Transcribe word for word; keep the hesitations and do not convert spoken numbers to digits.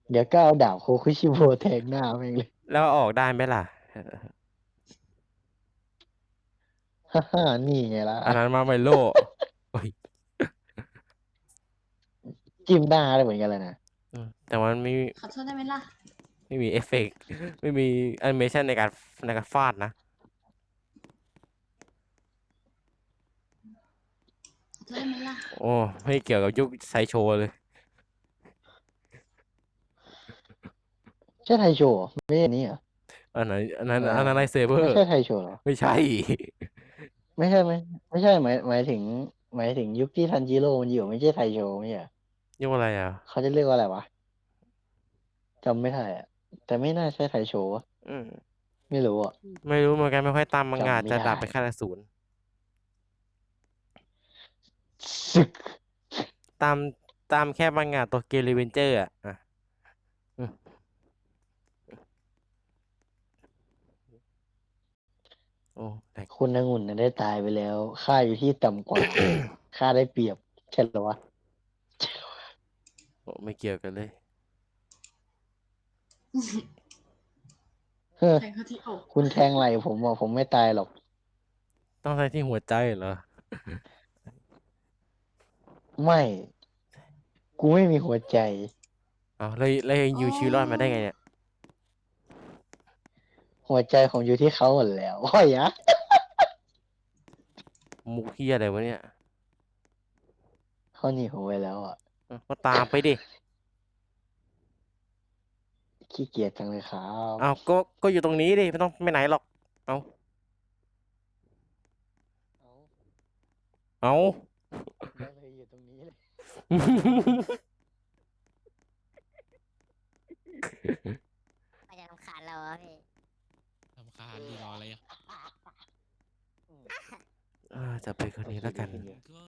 เดี๋ยวก็เอาดาบโคคุชิโบแทงหน้าแม่งเลยแล้วออกได้ไหมล่ะฮ่าฮ่านี่ไงล่ะอันนั้นมาไมโลโอ้ยจิ้มหน้าได้เหมือนกันเลยนะอืมแต่มันไม่ขอโทษได้ไหมล่ะไม่มีเอฟเฟกต์ไม่มีแอนิเมชันในการในการฟาดนะขอโทษได้ไหมล่ะโอ้ไม่เกี่ยวกับยุคไซโชเลยใช่ไทโชเหรอไม่ใช่อันนี้เหรออันไหนอันนั้นอะไรวะอันนั้นไลท์เซเบอร์ไม่ใช่ไทโชเหรอไม่ใช่ไม่ใช่ไหมไม่ใช่หมายหมายถึงหมายถึงยุคที่ทันจิโร่มันอยู่ไม่ใช่ไทโชไม่ใช่เหรอยุคอะไรอ่ะเขาจะเรียกว่าอะไรวะจำไม่ได้อะแต่ไม่น่าใช่ไทโชวะอืมไม่รู้อ่ะไม่รู้เหมือนกันไม่ค่อยตามมังงะจำไม่ได้จะดับไปแค่ละศูนย์ซึกตามตามแค่มังงะตัวเกมรีเวนเจอร์อ่ะอ่ะอืมโอ้แต่คุณองุ่นน่ะได้ตายไปแล้วค่าอยู่ที่ต่ำกว่าค่าได้เปรียบใช่เหรอวะโอ้ไม่เกี่ยวกันเลยเฮ้อแทงเขาที่อกคุณแทงไหล่ผมอ่ะผมไม่ตายหรอกต้องใช้ที่หัวใจเหรอไม่กูไม่มีหัวใจเอาเลยเลยโอ้ยูชีวิตรอดมาได้ไงเนี่ยหัวใจผมอยู่ที่เขาหมดแล้วโอ้ยอะมุกเฮียอะไรวะเนี่ยเขาหนีผมไปแล้วอ่ะอ่ะก็ตามไปดิขี้เกียจจังเลยครับเอาก็ก็อยู่ตรงนี้ดิไม่ต้องไปไหนหรอกเอาเอาได้เลยอยู่ตรงนี้เลยมันจะรำคาญเราอะพี่รำคาญดีรออะไรอ่ะเออจะไปคนนี้แล้วกันก็